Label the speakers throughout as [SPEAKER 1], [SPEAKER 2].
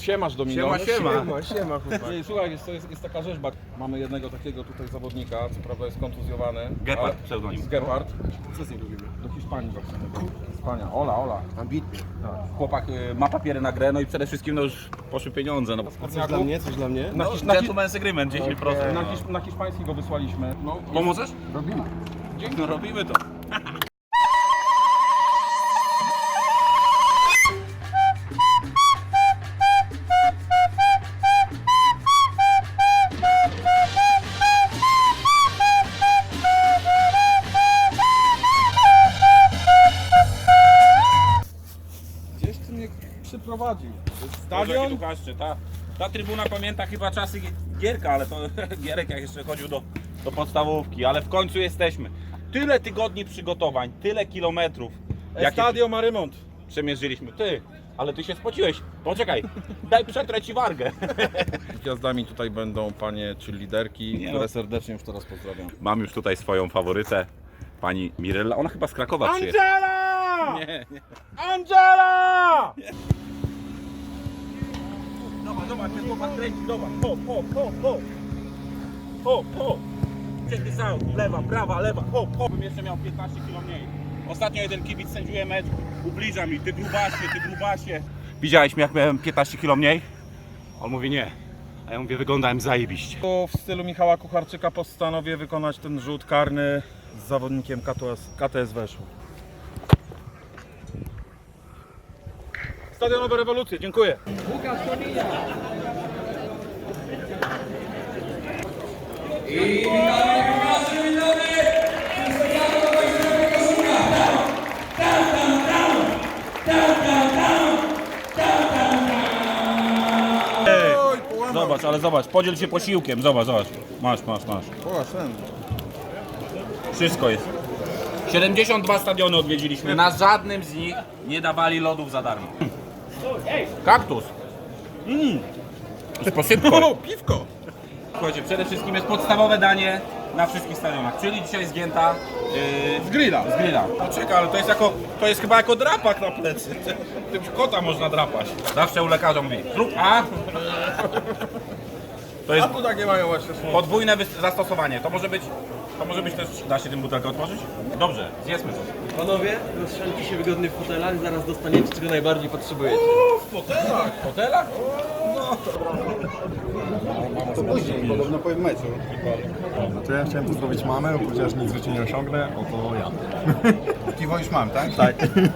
[SPEAKER 1] Siemasz Domino.
[SPEAKER 2] Siema chłopak.
[SPEAKER 1] Słuchaj, jest taka rzeźba. Mamy jednego takiego tutaj zawodnika, co prawda jest kontuzjowany.
[SPEAKER 3] Gepard, pseudonim.
[SPEAKER 1] Gepard.
[SPEAKER 2] Co z nim robimy?
[SPEAKER 1] Do Hiszpanii właśnie. Hiszpania. Ola.
[SPEAKER 2] Ambitnie.
[SPEAKER 3] Chłopak ma papiery na grę, no i przede wszystkim no już poszły pieniądze. No,
[SPEAKER 2] Coś dla mnie? Coś dla mnie?
[SPEAKER 1] Na,
[SPEAKER 3] no,
[SPEAKER 1] hisz, na, hisz,
[SPEAKER 3] gentleman's agreement, 10%.
[SPEAKER 1] na hiszpański go wysłaliśmy. No,
[SPEAKER 3] Pomożesz?
[SPEAKER 1] robimy.
[SPEAKER 3] No robimy to.
[SPEAKER 1] Gdzieś ty mnie przyprowadził.
[SPEAKER 3] Stadion? Ta trybuna pamięta chyba czasy Gierka, ale to Gierek jak jeszcze chodził do podstawówki, ale w końcu jesteśmy. Tyle tygodni przygotowań, tyle kilometrów.
[SPEAKER 1] Estadio ma remont.
[SPEAKER 3] Przemierzyliśmy. Ty, ale ty się spociłeś. Poczekaj, daj przetrę ci wargę.
[SPEAKER 1] Gwiazdami tutaj będą panie czy liderki,
[SPEAKER 3] Nie,
[SPEAKER 1] które
[SPEAKER 3] no.
[SPEAKER 1] serdecznie już teraz pozdrawiam.
[SPEAKER 3] Mam już tutaj swoją faworytę, pani Mirella. Ona chyba z Krakowa przyjechała.
[SPEAKER 1] Angela!
[SPEAKER 3] Nie.
[SPEAKER 1] Angela!
[SPEAKER 3] Zobacz, ten chłopak kręci, zobacz. Ho. Check this out. Lewa, prawa, lewa. Bym jeszcze miał 15 kg mniej. Ostatnio jeden kibic sędziuje mecz, ubliża mi, ty grubasie. Widziałeś mnie jak miałem 15 kg mniej? On mówi nie. A ja mówię, wyglądałem zajebiście.
[SPEAKER 1] W stylu Michała Kucharczyka postanowię wykonać ten rzut karny z zawodnikiem KTS Weszło. Stadionowe rewolucje, dziękuję.
[SPEAKER 3] Zobacz, ale zobacz, podziel się posiłkiem, zobacz. Masz. Wszystko jest. 72 stadiony odwiedziliśmy, na żadnym z nich nie dawali lodów za darmo. Kaktus. Z posypką.
[SPEAKER 1] Piwko!
[SPEAKER 3] Słuchajcie, przede wszystkim jest podstawowe danie na wszystkich stadionach, czyli dzisiaj zgięta
[SPEAKER 1] Z grilla.
[SPEAKER 3] z grilla. Poczekaj, ale to jest chyba jako drapak na plecy. Tym kota można drapać. Zawsze u lekarza mówi, zrób A. To jest
[SPEAKER 1] tu takie mają właśnie słowo.
[SPEAKER 3] podwójne zastosowanie. To może być też, da się tym butelkę otworzyć? Dobrze, zjedzmy coś.
[SPEAKER 2] Panowie, rozsiądźcie się wygodnie w fotelach, zaraz dostaniecie czego najbardziej potrzebujecie.
[SPEAKER 3] W hotelach?
[SPEAKER 4] Podobno po meczu. Znaczy ja chciałem tu zrobić mamę, chociaż nic w życiu nie osiągnę, oto ja. Piwo już mam, tak? Tak.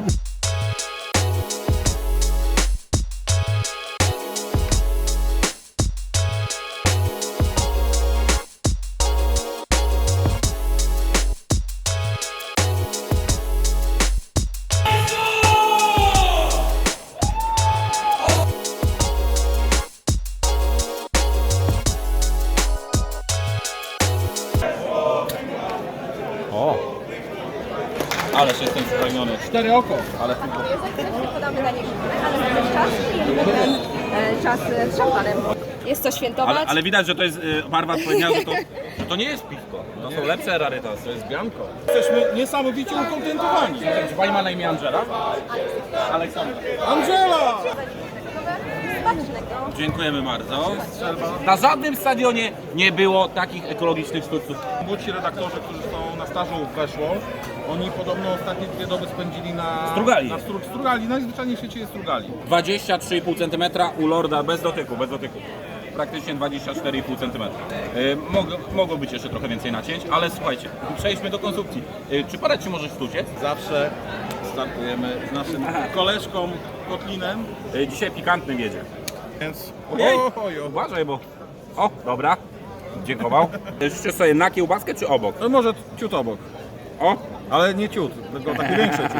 [SPEAKER 3] Ależ jestem spragniony.
[SPEAKER 1] 4 oko.
[SPEAKER 3] Ale
[SPEAKER 5] Podamy na niego, ale jest czas i potem czas z szampanem. Jest co świętować.
[SPEAKER 3] ale widać, że to jest, Marwat powiedział, że to nie jest piwko. To są lepsze rarytasy.
[SPEAKER 1] To jest bianko. Jesteśmy niesamowicie ukontentowani.
[SPEAKER 3] Czy pani ma na imię Angela? Aleksandra.
[SPEAKER 1] Angela!
[SPEAKER 5] Smacznego.
[SPEAKER 3] Dziękujemy bardzo. Na żadnym stadionie nie było takich ekologicznych sztuczców.
[SPEAKER 1] Młodsi redaktorzy, którzy są na stażu weszło, oni podobno ostatnie 2 doby spędzili na
[SPEAKER 3] Strugali.
[SPEAKER 1] Strugali, najzwyczajniej w świecie jest Strugali.
[SPEAKER 3] 23,5 cm u Lorda bez dotyku. Praktycznie 24,5 cm. Mogło być jeszcze trochę więcej nacięć, ale słuchajcie, przejdźmy do konsumpcji. Czy parę ci możesz sztuciec?
[SPEAKER 1] Zawsze startujemy z naszym koleżką Kotlinem,
[SPEAKER 3] Dzisiaj pikantny wiedzie.
[SPEAKER 1] więc
[SPEAKER 3] Ojej, uważaj, bo... O, dobra. Dziękował. Życzę sobie na kiełbaskę czy obok?
[SPEAKER 1] no może ciut obok,
[SPEAKER 3] O,
[SPEAKER 1] ale nie ciut, tylko taki większy ciut.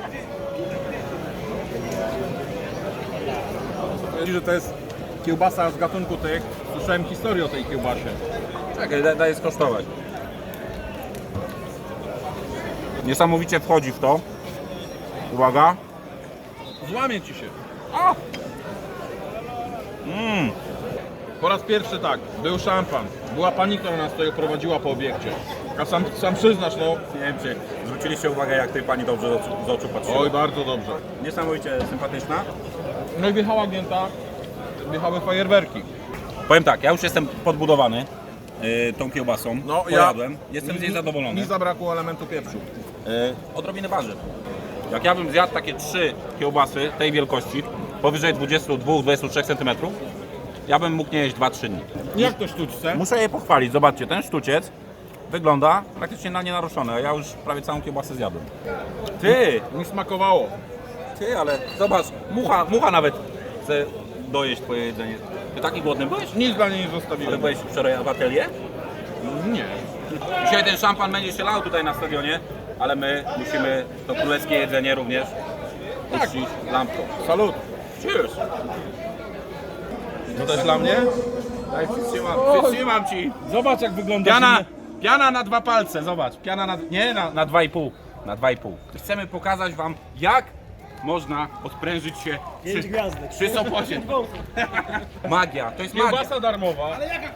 [SPEAKER 1] Że to jest kiełbasa z gatunku tych, słyszałem historię o tej kiełbasie.
[SPEAKER 3] czekaj, daję skosztować. Niesamowicie wchodzi w to. Uwaga.
[SPEAKER 1] Złamie ci się.
[SPEAKER 3] O!
[SPEAKER 1] Po raz pierwszy tak, był szampan, była pani, która nas tutaj prowadziła po obiekcie. A sam przyznasz, no,
[SPEAKER 3] Nie wiem, czy zwróciliście uwagę, jak tej pani dobrze z oczu patrzyła.
[SPEAKER 1] oj bardzo dobrze.
[SPEAKER 3] Niesamowicie sympatyczna.
[SPEAKER 1] No i wjechała gięta, wjechały fajerwerki.
[SPEAKER 3] Powiem tak, ja już jestem podbudowany tą kiełbasą.
[SPEAKER 1] No,
[SPEAKER 3] Pojadłem. Jestem z niej zadowolony.
[SPEAKER 1] Mi zabrakło elementu pieprzu.
[SPEAKER 3] Odrobiny warzyw. Jak ja bym zjadł takie 3 kiełbasy tej wielkości, powyżej 22-23 cm, ja bym mógł nie jeść 2-3 dni.
[SPEAKER 1] Jak to sztuczce?
[SPEAKER 3] Muszę je pochwalić. Zobaczcie, ten sztuciec wygląda praktycznie na nienaruszony, a ja już prawie całą kiełbasę zjadłem. Ty!
[SPEAKER 1] Mi smakowało.
[SPEAKER 3] Ty, ale zobacz, mucha nawet chce dojeść twoje jedzenie. Ty taki głodny byłeś?
[SPEAKER 1] Nic dla niej nie
[SPEAKER 3] Ale
[SPEAKER 1] zostawiłem.
[SPEAKER 3] byłeś wczoraj w atelier?
[SPEAKER 1] Nie.
[SPEAKER 3] Dzisiaj ten szampan będzie się lał tutaj na stadionie, ale my musimy to królewskie jedzenie również uczcić lampką.
[SPEAKER 1] Salut.
[SPEAKER 3] Cheers!
[SPEAKER 1] To też dla mnie?
[SPEAKER 3] Daj, przytrzymam ci.
[SPEAKER 1] Zobacz jak wygląda.
[SPEAKER 3] Piana na 2 palce, zobacz. Piana na 2,5. Na 2,5. Chcemy pokazać wam, jak można odprężyć się przy Sopocie. Magia, to jest magia.
[SPEAKER 1] Kiełbasa darmowa.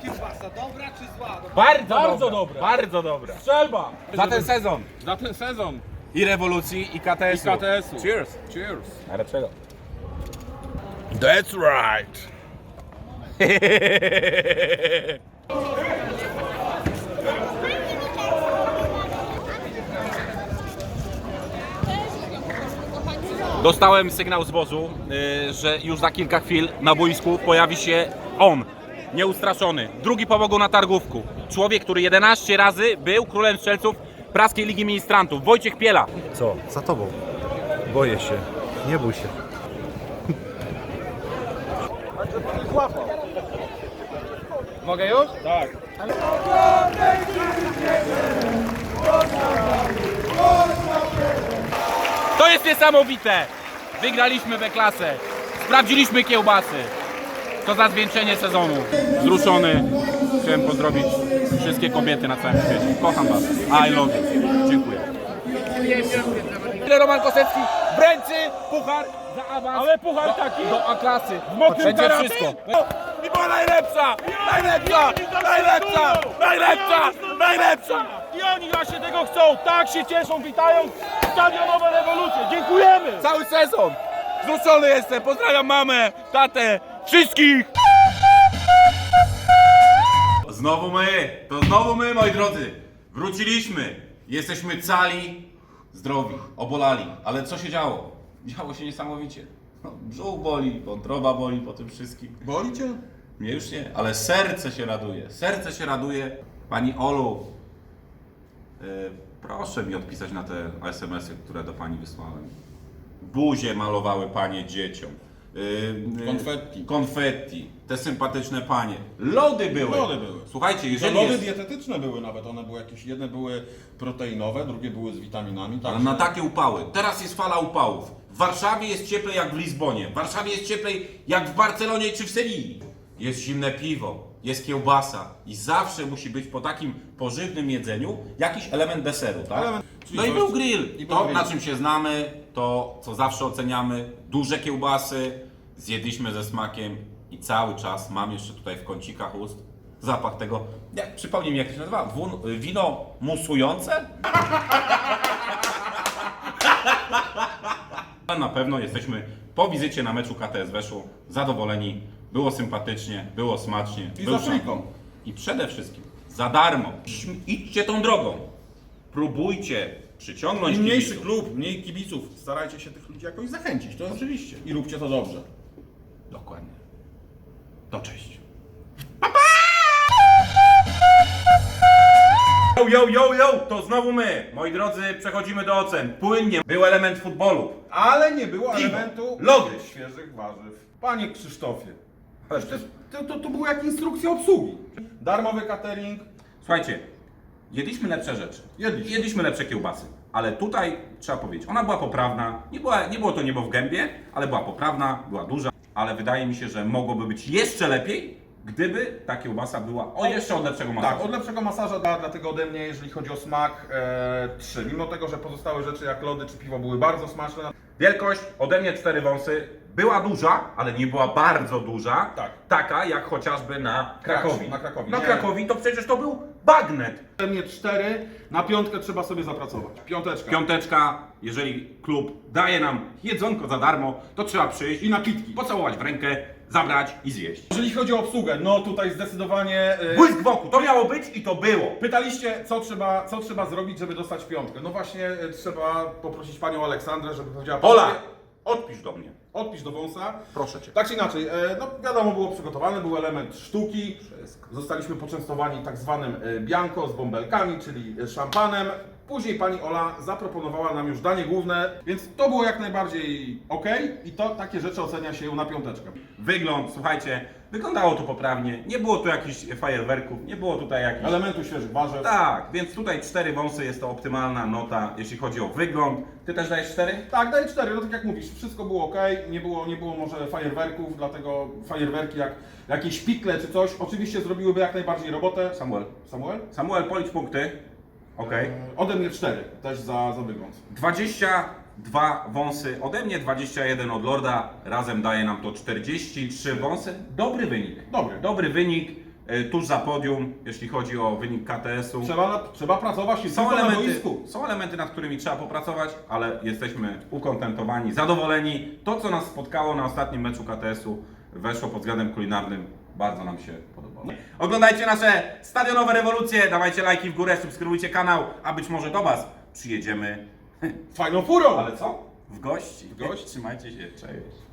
[SPEAKER 3] Bardzo dobra. Bardzo dobra.
[SPEAKER 1] Strzelba.
[SPEAKER 3] Za ten sezon.
[SPEAKER 1] Za ten sezon.
[SPEAKER 3] I rewolucji, i KTS-u.
[SPEAKER 1] I KTS-u.
[SPEAKER 3] Cheers.
[SPEAKER 1] Cheers.
[SPEAKER 3] Najlepszego.
[SPEAKER 1] That's right.
[SPEAKER 3] Dostałem sygnał z wozu, że już za kilka chwil na boisku pojawi się on, nieustraszony, drugi po Bogu na targówku. Człowiek, który 11 razy był królem strzelców Praskiej Ligi Ministrantów. Wojciech Piela.
[SPEAKER 6] Co? Za tobą. Boję się. Nie bój się.
[SPEAKER 1] Mogę już? Tak.
[SPEAKER 3] To jest niesamowite! Wygraliśmy B-klasę, sprawdziliśmy kiełbasy. To za zwieńczenie sezonu. Wzruszony. Chciałem pozdrowić wszystkie kobiety na całym świecie. Kocham was. I love you. Dziękuję. Roman Kosecki, Bręcy, puchar za awans.
[SPEAKER 1] Ale puchar taki?
[SPEAKER 3] Do A-klasy.
[SPEAKER 1] mokrym
[SPEAKER 3] Będzie
[SPEAKER 1] tarapie?
[SPEAKER 3] wszystko. I była najlepsza! Najlepsza! Najlepsza! Najlepsza! Najlepsza!
[SPEAKER 1] I oni właśnie tego chcą. Tak się cieszą, witają stadionowe rewolucje. Dziękujemy.
[SPEAKER 3] Cały sezon! Wzruszony jestem! Pozdrawiam mamę, tatę, wszystkich! Znowu my, moi drodzy! Wróciliśmy! Jesteśmy cali, zdrowi, obolali. Ale co się działo? Działo się niesamowicie. No, brzuch boli, wątroba boli po tym wszystkim.
[SPEAKER 1] Boli cię?
[SPEAKER 3] Mnie już nie, ale serce się raduje. Serce się raduje. Pani Olu, proszę mi odpisać na te SMS-y, które do pani wysłałem. Buzie malowały panie dzieciom.
[SPEAKER 1] Konfetti.
[SPEAKER 3] Konfetti. Te sympatyczne panie. Lody były.
[SPEAKER 1] Lody były.
[SPEAKER 3] Słuchajcie,
[SPEAKER 1] To
[SPEAKER 3] jeżeli
[SPEAKER 1] lody
[SPEAKER 3] jest...
[SPEAKER 1] dietetyczne były nawet, one były jakieś, jedne były proteinowe, drugie były z witaminami.
[SPEAKER 3] Ale
[SPEAKER 1] Tak.
[SPEAKER 3] na takie upały. Teraz jest fala upałów. W Warszawie jest cieplej jak w Lizbonie. W Warszawie jest cieplej jak w Barcelonie czy w Sewilli. Jest zimne piwo, jest kiełbasa i zawsze musi być po takim pożywnym jedzeniu jakiś element deseru, tak?
[SPEAKER 1] Czyli
[SPEAKER 3] No i
[SPEAKER 1] coś-
[SPEAKER 3] był grill.
[SPEAKER 1] i był
[SPEAKER 3] To,
[SPEAKER 1] grill.
[SPEAKER 3] na czym się znamy, to co zawsze oceniamy, duże kiełbasy, zjedliśmy ze smakiem i cały czas mam jeszcze tutaj w kącikach ust zapach tego, przypomnij mi jak to się nazywa, wino musujące? Ale na pewno jesteśmy po wizycie na meczu KTS Weszło zadowoleni, było sympatycznie, było smacznie.
[SPEAKER 1] I
[SPEAKER 3] był
[SPEAKER 1] za friką.
[SPEAKER 3] szampan. I przede wszystkim za darmo. Idźcie tą drogą. Próbujcie przyciągnąć
[SPEAKER 1] Im mniejszy
[SPEAKER 3] kibiców.
[SPEAKER 1] klub, mniej kibiców, starajcie się tych ludzi jakoś zachęcić. To
[SPEAKER 3] Oczywiście.
[SPEAKER 1] I róbcie to dobrze.
[SPEAKER 3] Dokładnie. To cześć. Yo, to znowu my. Moi drodzy, przechodzimy do ocen. Płynnie. Był element futbolu.
[SPEAKER 1] Ale nie było
[SPEAKER 3] Piwo,
[SPEAKER 1] elementu
[SPEAKER 3] lody.
[SPEAKER 1] świeżych warzyw. Panie Krzysztofie, to było jak instrukcja obsługi. Darmowy catering.
[SPEAKER 3] Słuchajcie, jedliśmy lepsze rzeczy.
[SPEAKER 1] Jedliśmy.
[SPEAKER 3] Jedliśmy lepsze kiełbasy. Ale tutaj trzeba powiedzieć, ona była poprawna. Nie było to niebo w gębie, ale była poprawna, była duża. Ale wydaje mi się, że mogłoby być jeszcze lepiej, gdyby ta kiełbasa była jeszcze od lepszego masażu.
[SPEAKER 1] Tak, od lepszego masaża, dlatego ode mnie, jeżeli chodzi o smak, 3. Mimo tego, że pozostałe rzeczy jak lody czy piwo były bardzo smaczne.
[SPEAKER 3] Wielkość ode mnie 4 wąsy. Była duża, ale nie była bardzo duża.
[SPEAKER 1] Tak.
[SPEAKER 3] Taka jak chociażby na Krakowi.
[SPEAKER 1] Na Krakowi,
[SPEAKER 3] Na
[SPEAKER 1] nie.
[SPEAKER 3] Krakowi to przecież to był bagnet.
[SPEAKER 1] Ode mnie 4, na 5 trzeba sobie zapracować. 5.
[SPEAKER 3] Piąteczka, jeżeli klub daje nam jedzonko za darmo, to trzeba przyjść
[SPEAKER 1] I napitki.
[SPEAKER 3] pocałować w rękę zabrać i zjeść.
[SPEAKER 1] Jeżeli chodzi o obsługę, no tutaj zdecydowanie...
[SPEAKER 3] Błysk wokół, to miało być i to było.
[SPEAKER 1] Pytaliście, co trzeba zrobić, żeby dostać piątkę. No właśnie trzeba poprosić panią Aleksandrę, żeby powiedziała...
[SPEAKER 3] Ola, odpisz do mnie.
[SPEAKER 1] Odpisz do wąsa.
[SPEAKER 3] Proszę cię.
[SPEAKER 1] Tak czy inaczej, no wiadomo, było przygotowane, był element sztuki. Zostaliśmy poczęstowani tak zwanym bianco z bąbelkami, czyli szampanem. Później pani Ola zaproponowała nam już danie główne, więc to było jak najbardziej ok i to takie rzeczy ocenia się na piąteczkę.
[SPEAKER 3] Wygląd, słuchajcie, wyglądało to poprawnie. Nie było tu jakichś fajerwerków, nie było tutaj jakichś...
[SPEAKER 1] Elementu świeżych warzyw.
[SPEAKER 3] Tak, więc tutaj 4 wąsy jest to optymalna nota, jeśli chodzi o wygląd. Ty też dajesz 4?
[SPEAKER 1] Tak, daję 4, no tak jak mówisz, wszystko było ok, nie było może fajerwerków, dlatego fajerwerki jak jakieś pikle czy coś, oczywiście zrobiłyby jak najbardziej robotę. Samuel?
[SPEAKER 3] Samuel, policz punkty. Okej.
[SPEAKER 1] Ode mnie 4, też za wygląd.
[SPEAKER 3] 22 wąsy ode mnie, 21 od Lorda. Razem daje nam to 43 wąsy. Dobry wynik. Dobry wynik. Tuż za podium, jeśli chodzi o wynik KTS-u.
[SPEAKER 1] Trzeba pracować i tylko na boisku.
[SPEAKER 3] Są elementy, nad którymi trzeba popracować, ale jesteśmy ukontentowani, zadowoleni. To, co nas spotkało na ostatnim meczu KTS-u, weszło pod względem kulinarnym. Bardzo nam się podobało. Oglądajcie nasze stadionowe rewolucje, dawajcie lajki w górę, subskrybujcie kanał, a być może do Was przyjedziemy.
[SPEAKER 1] Fajną furą!
[SPEAKER 3] Ale co? W gości.
[SPEAKER 1] W gości.
[SPEAKER 3] Trzymajcie się, cześć.